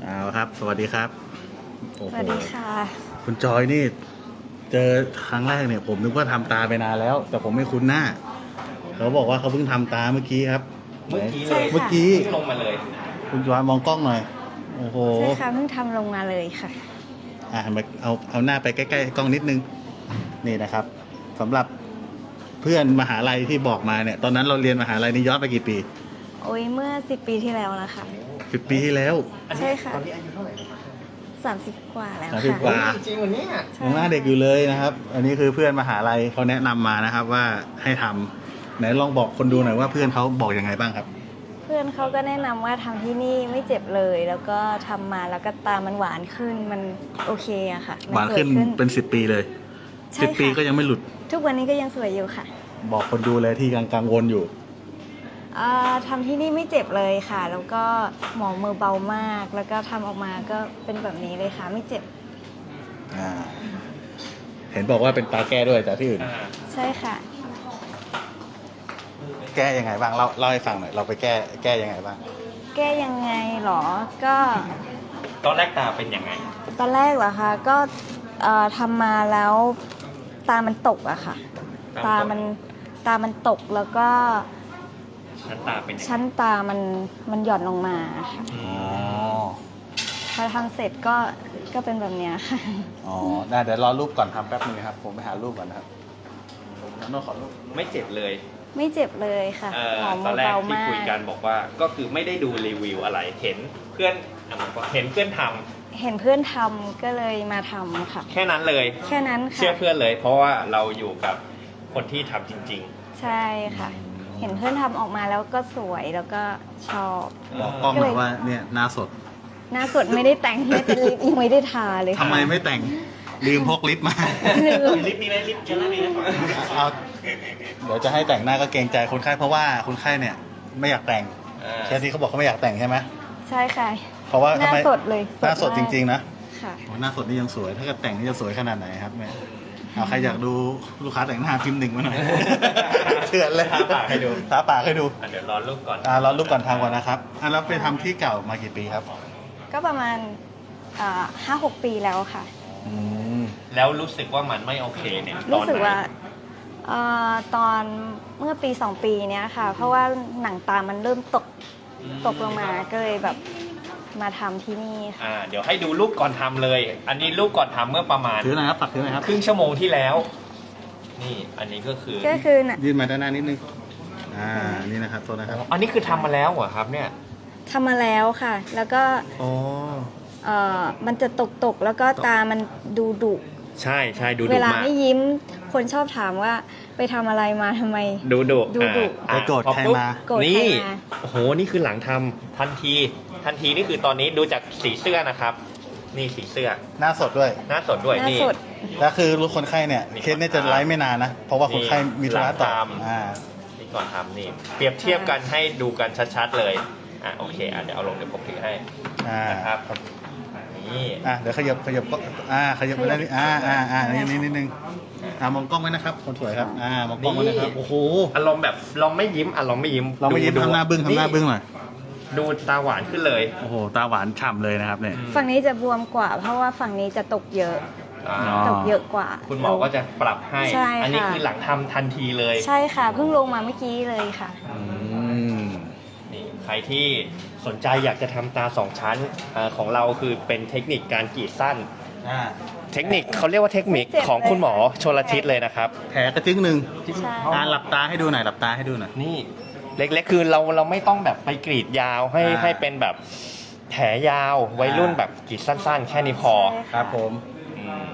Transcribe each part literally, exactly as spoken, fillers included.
เอาครับสวัสดีครับโอ้สโหวัสดีค่ะคุณจอยนี่ เจอครั้งแรกเนี่ย ผมนึกว่าทำตาไปนานแล้ว แต่ผมไม่คุ้นหน้า เขาบอกว่าเขาเพิ่งทำตาเมื่อกี้ครับเมื่อกี้ใช่เลยค่ะเมื่อกี้เพิ่งลงมาเลยคุณจอยมองกล้องหน่อย โอ้โหใช่ค่ะเพิ่งทำลงมาเลยค่ะอ่ะมาเอาเอาหน้าไปใกล้ๆกล้องนิดนึง นี่นะครับสำหรับเพื่อนมหาลัยที่บอกมาเนี่ย ตอนนั้นเราเรียนมหาลัยนี่ย้อนไปกี่ปีโอ้ยเมื่อสิบปีที่แล้วนะคะสิบปีที่แล้วใช่ค่ะตอนนี้อายุเท่าไหร่ครับสามสิบกว่าแล้วสามสิบค่ะกว่าจริงวันนี้ใช่ยังหน้าเด็กอยู่เลยนะครับ อันนี้คือเพื่อนมหาลัยเขาแนะนำมานะครับ ว่าให้ทำไหนลองบอกคนดูหน่อยว่าเพื่อนเขาบอกยังไงบ้างครับเพื่อนเขาก็แนะนำว่าทำที่นี่ไม่เจ็บเลย แล้วก็ทำมาแล้วก็ตามันหวานขึ้นมันโอเคอะค่ะมัหวานขึ้นสยเป็นสิบปีเลยใช่สิบปีค่ะก็ยังไม่หลุดทุกวันนี้ก็ยังสวยอยู่ค่ะบอกคนดูเลยที่กังกังวลอยู่อ่าทำที่นี่ไม่เจ็บเลยค่ะ แล้วก็หมอมือเบามาก แล้วก็ทำออกมาก็เป็นแบบนี้เลยค่ะ ไม่เจ็บอ่า เห็นบอกว่าเป็นตาแก้ด้วยแต่ที่อื่นใช่ค่ะแก้ยังไงบ้างเล่าเล่าให้ฟังหน่อยเราไปแก้แก้ยังไงบ้างแก้ยังไงหรอ ก็ตอนแรกตาเป็นยังไงตอนแรกเหรอคะก็เอ่อทำมาแล้วตามันตกอะค่ะ ตาตามัมันนตามันตกแล้วก็ชั้นตาเป็นยังไงชั้นตามันมันหย่อนลงมาค่ะอือ๋อมพอทำเสร็จก็ก็เป็นแบบเนี้ยค่ะอ๋อได้เดี๋ยวรอรูปก่อนทำแป๊บนึงครับ ผมไปหารูปก่อนนะครับผมน้องขอรูปไม่เจ็บเลยไม่เจ็บเลยค่ะเอ่อหอมตอนแรกเบาที่มากคุยกันบอกว่าก็คือไม่ได้ดูรีวิวอะไร เห็นเพื่อนอ่ะบอกว่าเห็นเพื่อนทำเห็นเพื่อนทำก็เลยมาทำค่ะแค่นั้นเลยแค่นั้นค่ะเชื่อเพื่อนเลย เพราะว่าเราอยู่กับคนที่ทำจริงใช่ค่ะ เห็นเพื่อนทำออกมาแล้วก็สวยแล้วก็ชอบๆบอกกล้องหน่อยว่าเนี่ยหน้าสดหน้าสดไม่ได้แต่งไม่เป็นลิปยังไม่ได้ทาเลยทำค่ะไมไม่แต่งลืมพกลิปมาลืมลิปนี้ไหมลิปเจลลี่ไหมเอาเดี๋ยวจะให้แต่งหน้าก็เกรงใจคนไข้เพราะว่าคนไข้เนี่ย ไม่อยากแต่งอ่าแค่ที่เขาบอกเขาไม่อยากแต่งใช่ไหมใช่ค่ะเพราะว่าหทำน้าไมสดเลยหน้าสดมกจริงๆนะค่ะโอ้หน้าสดนี่ยังสวย ถ้าเกิดแต่งนี่จะสวยขนาดไหนครับแม่เอาใครอยากดูลูกค้าแต่งหน้าพิมพ์หนึ่งมาหน่อย เถื่อนเลยทาปากให้ดูทาปากให้ดูอ่ะเดี๋ยวรอรูปก่อนอ่ารอรูปก่อนทำก่อนนะครับอ่ะแล้วไปทำที่เก่ามากี่ปีครับก็ประมาณห้าหกปีแล้วค่ะอืมแล้วรู้สึกว่ามันไม่โอเคเนี่ยตรู้อนสึกไหนว่าเอ่อตอนเมื่อปีสองปีเนี้ยค่ะ เพราะว่าหนังตามันเริ่มตกตกลงมาก็เลยแบบมาทำที่นี่ค่ะอ่าเดี๋ยวให้ดูรูปก่อนทำเลย อันนี้รูปก่อนทำเมื่อประมาณถือหน่อยครับปักถือหน่อยครับครึ่งชั่วโมงที่แล้ว นี่อันนี้ก็คือก็คือน่ะยื่นมาด้านหน้านิดนึงอ่านี่นะครับตัวนะครับอันนี้คือทำมาแล้วเหรอครับเนี่ยทำมาแล้วค่ะ แล้วก็อ๋อเอ่อมันจะตกตกๆแล้วก็ตามันดูดุใช่ใช่ดูเวดุลามากไม่ยิ้ม คนชอบถามว่าไปทำอะไรมาทำไมดูดุดูดุอ่าไปโกรธพอใครปุ๊บมาโกรธใครนี่มาโอ้โหนี่คือหลังทำทันทีทันทีนี่คือตอนนี้ดูจากสีเสื้อนะครับ นี่สีเสื้อหน้าสดด้วยหน้าสดด้วยหน้านี่สดแล้วคือลูกคนไข้เนี่ยนี่เคสเนี่ยจะไลฟ์ไม่นานนะ เพราะว่าคนไข้มีธุระต่อหลังตามอ่านี่ก่อนทำนี่เปรียบเทียบกันให้ดูกันชัดๆเลยอ่ะโอเคอ่ะเดี๋ยวเอาลงเดี๋ยวผมถือให้อ่านะครับนี่อ่ะเดี๋ยวขยับขยับก็อ่าขยับไปได้านนิดอ่าอ่าอ่านี่นี่นิดนึงอ่ามองกล้องไว้นะครับคนสวยครับอ่ามองกล้องไว้นะครับโอ้โหอารมณ์แบบลองไม่ยิ้มอ่ะลองไม่ยิ้มเราไม่ยิ้มดูทำหน้าบึ้งทำหน้าบึ้งหน่อยดูตาหวานขึ้นเลยโอ้โหตาหวานฉ่ำเลยนะครับเนี่ยฝั่งนี้จะบวมกว่า เพราะว่าฝั่งนี้จะตกเยอะอ่าอ๋อตกเยอะกว่าคุณหมอก็จะปรับให้ใช่ค่ะอันี้คือหลังทำทันทีเลยใช่ค่ะ เพิ่งลงมาเมื่อกี้เลยค่ะอืมนี่ใครที่สนใจอยากจะทำตาสองชั้นอาของเราคือเป็นเทคนิคการกรีดสั้นอ่าเทคนิคเขาเรียกว่าเทคนิคไม่เจ็บของคุณหมอเลยชลทิศเลยนะครับแผลกระจึงหนึ่งใช่อ่าหลับตาให้ดูหน่อยหลับตาให้ดูหน่อยนี่เล็กๆคือเราเราไม่ต้องแบบไปกรีดยาวให้อ่าให้เป็นแบบแผลยาววัยรุ่นแบบกรีดสั้น ๆ แค่นี้พอใช่ะครับผมอืม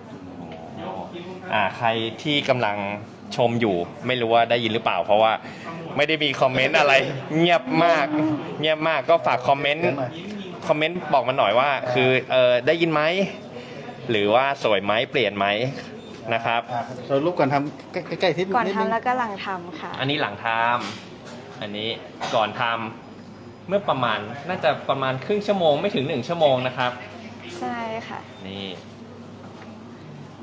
อ่าใครที่กำลังชมอยู่ไม่รู้ว่าได้ยินหรือเปล่า เพราะว่าไม่ได้มีคอมเมนต์อะไร เงียบมาก เงียบมากก็ฝากคอมเมนต์เดี๋ยวหน่อยคอมเมนต์บอกมาหน่อยว่า คือเออได้ยินไหมหรือว่าสวยไหมเปลี่ยนไหมนะครับอ่าเรารูปก่อนทำใกล้ๆทิศก่อนนิดนึงทำแล้วก็หลังทำค่ะอันนี้หลังทำอันนี้ก่อนทำเมื่อประมาณน่าจะประมาณครึ่งชั่วโมงไม่ถึงหนึ่งชั่วโมงนะครับใช่ค่ะนี่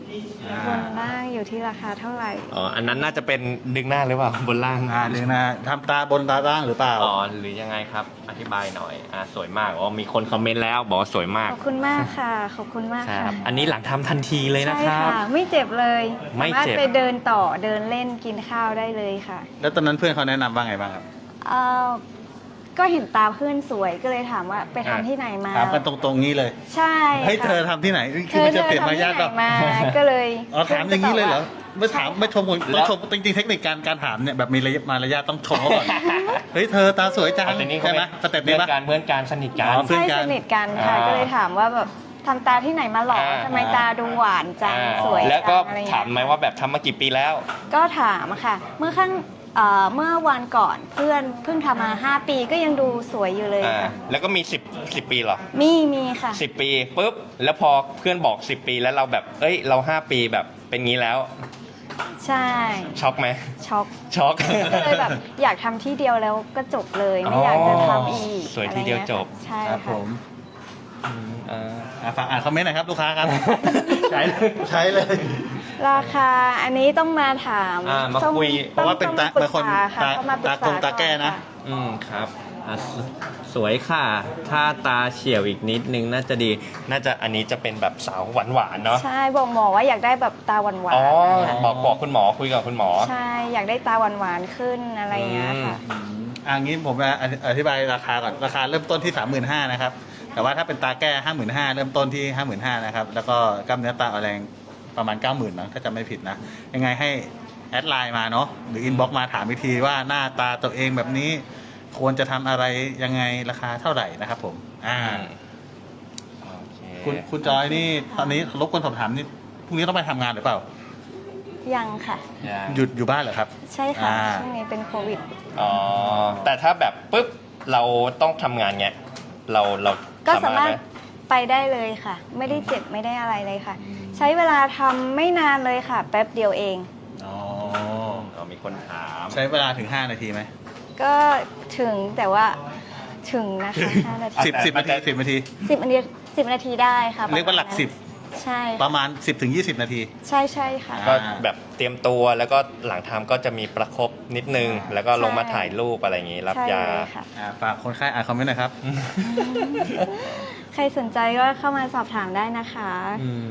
บนล่างอยู่ที่ราคาเท่าไหร่อ๋ออันนั้นน่าจะเป็นดึงหน้าหรือเปล่าบนล่างอ่าหนึ่งนะทำตาบนตาล่างหรือเปล่าอ๋อหรือยังไงครับ อธิบายหน่อยอ่าสวยมากอ๋อมีคนคอมเมนต์แล้วบอกว่าสวยมากขอบคุณมากค่ะ ขอบคุณมากคค่ะรับอันนี้หลังทำทันทีเลยนะใช่ครับค่ะ ไม่เจ็บเลยไม่สามารถเจ็บไปเดินต่อเดินเล่นกินข้าวได้เลยค่ะแล้วตอนนั้นเพื่อนเขาแนะนำว่าไงบ้างครับเอ่อก็เห็นตาเพื่อนสวยก็เลยถามว่าไปทำที่ไหนมาถามกันตรงๆนี้เลยใช่เฮ้ยค่ะเธอทำที่ไหนเธคืออมันเธจะอเปลี่ยนทำมาที่ยากไหนเปล่ามาก็เลยอ๋อถามอย่างนี้เลยเหรอไม่ถามไม่ชมคนแล้ต้องวชมจริงๆเทคนิคการการถามเนี่ยแบบมีระยะมารยาทต้องชมเขาก่อน เฮ้ยเธอตาสวยจังแต่นี่เขาใช่ไหมเป็นสเต็ปเพื่นี้อนปะการเพื่อนการสนิทกัอ๋นอ เพื่อนใช่กันสนิทกันค่ะอ่าก็เลยถามว่าแบบทำตาที่ไหนมาหรออ่าทำไมตาดูหวานจังอ่าสวยแล้วก็จังอะไรเงี้ยถามไหมว่าแบบทำมากี่ปีแล้วก็ถามค่ะ เมื่อขั้งเอ่อเมื่อวันก่อนเพื่อนเพิ่งทำมาห้าปีก็ยังดูสวยอยู่เลยอ่าค่ะแล้วก็มีสิบ สิบปีเหรอมีมีค่ะสิบปีปุ๊บแล้วพอเพื่อนบอกสิบปีแล้วเราแบบเอ้ยเราห้าปีแบบเป็นงี้แล้วใช่ช็อกไหมช็อกช็อกก็เลยแบบอยากทำที่เดียวแล้วก็จบเลยไม่อยากจะทำอีกสวยทีเดียวจบใช่ครับผค่ะมอืมอ่าอ่ะฝากอ่านคอมเมนต์หน่อยครับลูกค้าครับใช้เลยใช้เลยราคาอันนี้ต้องมาถามอ่ามาต้องคุยเพราะว่าเป็นตาต้องเป็นคนปรึกษค่ะตาเข้มปรึษตากงตาแก้นะค่อืมครับอ่ะสสวยค่ะ ถ้าตาเฉียวอีกนิดนึงน่าจะดี น่าจะอันนี้จะเป็นแบบสาวหวานหวานๆเนาะใช่บอกหมอว่าอยากได้แบบตาหวานหวานอ๋อค่ะบอกบอกคุณหมอคุยกับคุณหมอใช่อยากได้ตาหวานหวานๆขึ้นอะไรอย่างเงี้ยค่ะอืมอ่างี้ผมจะอธิบายราคาก่อนราคาเริ่มต้นที่สามหมื่นห้านะครับแต่ว่าถ้าเป็นตาแก้ห้าหมื่นห้าเริ่มต้นที่ห้าหมื่นห้านะครับแล้วก็กล้ามเนื้อตาอ่อนแรงประมาณเก้าหมื่นนะถ้าจำไม่ผิดนะยังไงให้แอดไลน์มาเนาะหรืออินบ็อกมาถามวิธีว่าหน้าตาตัวเองแบบนี้ ควรจะทำอะไรยังไงราคาเท่าไหร่นะครับผมอ่าโอเคคุณคุณจอยนี่ตอนนี้รบกวนสอบถามนี่พรุ่งนี้ต้องไปทำงานหรือเปล่ายังค่ะยังหยุดอยู่บ้านเหรอครับใช่ค่ะอ่าช่วงนี้เป็นโควิดอ๋อ แต่ถ้าแบบปุ๊บเราต้องทำงานเงี้ย เราเราก็สามารถไหไปได้เลยค่ะ ไม่ได้เจ็บไม่ได้อะไรเลยค่ะ ใช้เวลาทำไม่นานเลยค่ะ แป๊บเดียวเองอ๋ออ๋อมีคนถามใช้เวลาถึงห้านาทีไหมก็ถึงแต่ว่าถึงนะคะห้านาทีสิบสิบนาทีสิบนาทีสิบนาทีสิบนาทีได้ค่ะเรียกว่าหลักประมณนั้นสิบใช่ประมาณสิบถึงยี่สิบนาทีใช่ใช่ค่ะก็แบบเตรียมตัวแล้วก็หลังทำก็จะมีประคบนิดนึง แล้วก็ลงมาถ่ายรูปอะไรอย่างงี้ รับใช่ยาเลยค่ะอ่าฝากคนไข้อ่านคอมเมนต์หน่อยครับใครสนใจก็เข้ามาสอบถามได้นะคะอืม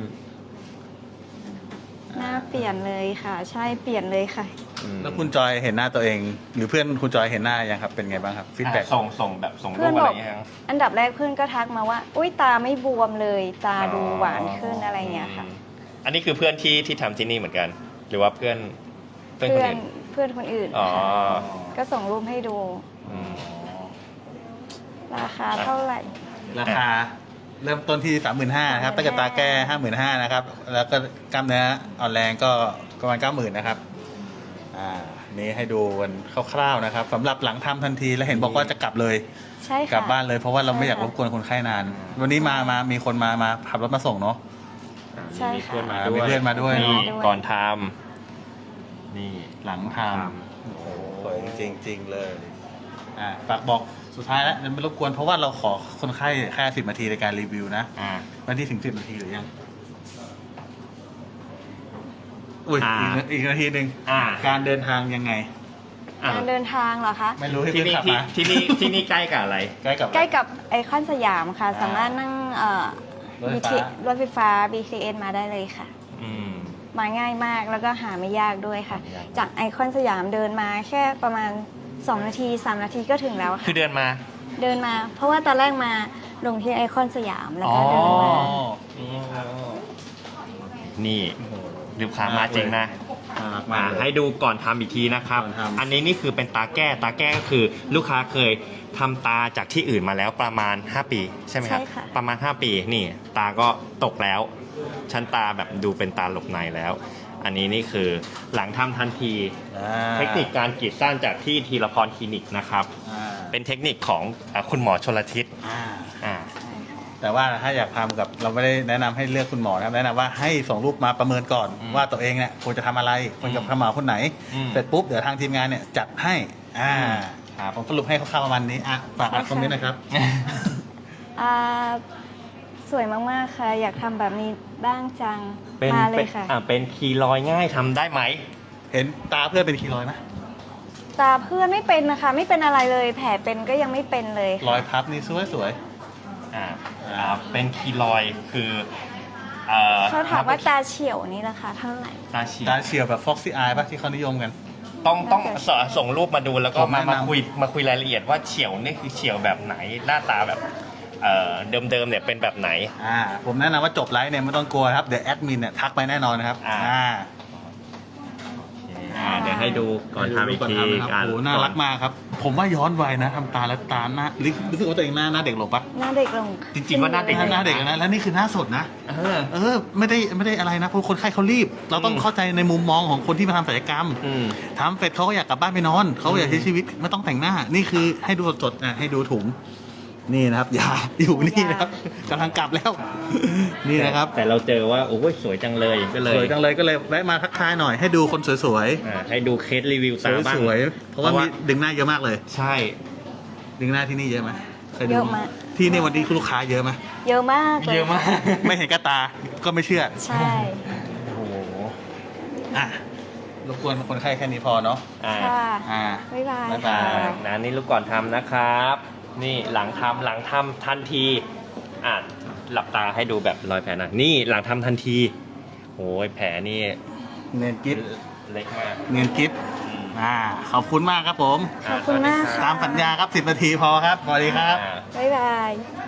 หน้าเปลี่ยนเลยค่ะ ใช่เปลี่ยนเลยค่ะอืมแล้วคุณจอยเห็นหน้าตัวเอง หรือเพื่อนคุณจอยเห็นหน้ายังครับ เป็นไงบ้างครับฟีดแบ็กอ่ะส่งส่งแบบส่งเพื่รูอนปอะบไรอกอย่างเงี้ยยังอันดับแรกเพื่อนก็ทักมาว่า อุ้ยตาไม่บวมเลย ตาดูหวานขึ้นอะไรเงี้ยค่ะอืมอันนี้คือเพื่อนที่ที่ทำที่นี่เหมือนกัน หรือว่าเพื่อนเพื่อนคนเพื่อนอื่นเพื่อนคนอื่นอ๋อค่ะก็ส่งรูปให้ดูอืมราคาเท่าไหร่ราคาเริ่มต้นที่สามหมื่นห้านะครับตั้งแต่ตาแก้ห้าหมื่นห้านะครับ แล้วก็กล้ามเนื้ออ่อนแรงก็ประมาณเก้าหมื่นนะครับ อ่า นี่ให้ดูกันคร่าวๆนะครับสำหรับหลังทำทันทีแล้วเห็นบอกว่าจะกลับเลยใช่ค่ะกลับบ้านเลยเพราะว่าเราไม่อยากใช่รค่ะบกวนคนไข้นาน วันนี้มามามีคนมามาขับรถมาส่งเนาะใช่มีค่ะเพื่อนมาอ่าด้วยมีเพื่อนมาด้วยนี่มาด้วยก่อนทำนี่หลังททำโอ้โหสวยจริงจริงๆเลยอ่าฝากบอกสุดท้ายแล้วไม่รบกวนเพราะว่าเราขอคนไข้แค่สิบนาทีในการรีวิวนะอ่าวันที่ถึงสิบนาทีหรือยังอุ้ยอ่าอีกอีกนาทีหนึ่งอ่าการเดินทางยังไงอ่าการเดินทางเหรอคะไม่รู้ให้ที่เพื่อนนี่ขับที่มาที่นี่ที่นี่ใกล้กับอะไรใกล้กับใกล้กับไอคอนสยามค่ะอ่าสามารถนั่งเอ่อรถไฟบีฟ้าทีรถไฟฟ้า บี ที เอส มาได้เลยค่ะอืมมาง่ายมากแล้วก็หาไม่ยากด้วยค่ะไม่ยากจากไอคอนสยามเดินมาแค่ประมาณสองนาทีสามนาทีก็ถึงแล้วคืค่ะอเดินมาเดินมา เพราะว่าตอนแรกมาลงที่ไอคอนสยามแล้วก็อ๋อเดินมานี่ลูกค้ามาจริงนะอ่ามามาเลยให้ดูก่อนทำอีกทีนะครับก่อนทำอันนี้นี่คือเป็นตาแก้ ตาแก้ก็คือลูกค้าเคยทำตาจากที่อื่นมาแล้วประมาณ ห้า ปีใช่ไหมครับใช่ค่ะประมาณ ห้า ปี นี่ ตาก็ตกแล้ว ชั้นตาแบบดูเป็นตาหลบในแล้ว อันนี้นี่คือหลังทำทันทีอ่าเทคนิคการกรีดสั้นจากที่ทีละพรคลินิกนะครับอ่าเป็นเทคนิคของอ่าคุณหมอชลทิศอ่าอ่าแต่ว่าถ้าอยากทำกับเราไม่ได้แนะนำให้เลือกคุณหมอนะครับแนะนำว่าให้ส่งรูปมาประเมินก่อนอืมว่าตัวเองเนี่ยควรจะทำอะไรควรกับคุณหมอคนไหนอืมเสร็จปุ๊บเดี๋ยวทางทีมงานเนี่ยจัดให้อ่าครับผมสรุปให้คร่าวๆประมาณนี้อ่ะฝากอ่านคอมเมนต์นะครับอ่าสวยมากๆค่ะ อยากทำแบบนี้บ้างจังเป็นมาเลเป็ยนค่ะอ่าเป็นคีรอยง่ายทำได้ไหมเห็นตาเพื่อนเป็นคีรอยด์ไหมตาเพื่อนไม่เป็นนะคะ ไม่เป็นอะไรเลย แผลเป็นก็ยังไม่เป็นเลยรอยพับนี่สวยสวยอ่าอ่าเป็นคีรอยคือเอ่อเขาถามว่าตาเฉียวนี่ราคาเท่าไหร่ตาเฉียตาว เฉียวแบบฟ็อกซี่อายป่ะที่เขานิยมกันต้องต้องน่าจะสส่งรูปมาดูแล้วก็ผมมาแนะนำมาคุยมาคุยรายละเอียดว่าเฉียวนี่คือเฉียวแบบไหนหน้าตาแบบเอ่อเดิมๆเนี่ยเป็นแบบไหนอ่าผมแนะนำว่าจบไลฟ์เนี่ยไม่ต้องกลัวครับเดี๋ยวแอดมินเนี่ยทักไปแน่นอนนะครับอ่าอ่าอ่าเดี๋ยวให้ดูก่อนทำอีกทีโอ้โหน่ารักมากครับ ผมว่าย้อนวัยนะทำตาแล้วตาหน้ารู้สึกว่าตัวเองหน้าหน้าเด็กลงปะหน้าเด็กลงจริงๆว่าหน้าเด็กหน้าหน้าเด็กนะแล้วนี่คือหน้าสดนะเออเออไม่ได้ไม่ได้อะไรนะเพราะคนไข้เขารีบ เราต้องอืมเข้าใจในมุมมองของคนที่มาทำศัลยกรรมอืมทำเสร็จเขาก็อยากกลับบ้านไปนอนเขาก็อยากใช้ชีวิตไม่ต้องแต่งหน้า นี่คือให้ดูสดๆอ่ะให้ดูถุงนี่นะครับยาอยู่นี่นะครับกำลังกลับแล้ว นี่นะครับแต่เราเจอว่าโอ้ยสวยจังเลยก็เลยสวยจังเลยก็เลยแวะมาทักทายหน่อยให้ดูคนสวยอ่าให้ดูเคสรีวิวๆตาบ้างสวยๆเพราะว่ามีดึงหน้าเยอะมากเลยใช่ดึงหน้าที่นี่เยอะไหมคดูเยอะมากที่นี่วันนี้ลูกค้าเยอะไหมเยอะมากเลยเยอะมากไม่เห็นกระตาก็ไม่เชื่อใช่โอ้โหอ่ะรบกวนคนไข้แค่นี้พอเนาะอ่าค่ะอ่าบ๊ายบายบ๊ายบาค่ะยนะนี่ลูกก่อนทำนะครับ นี่หลังทำหลังทำทันทีอ่ะหลับตาให้ดูแบบรอยแผลหนะนี่หลังทำทันทีโอ้ยแผลนี่เนียนกิฟเล็กมากเนียนกิฟอืมอ่าขอบคุณมากครับผมขอบคุณมากค่ะตามสัญญาครับสิบนาทีพอครับสวัสดีครับอ่าบ๊ายบาย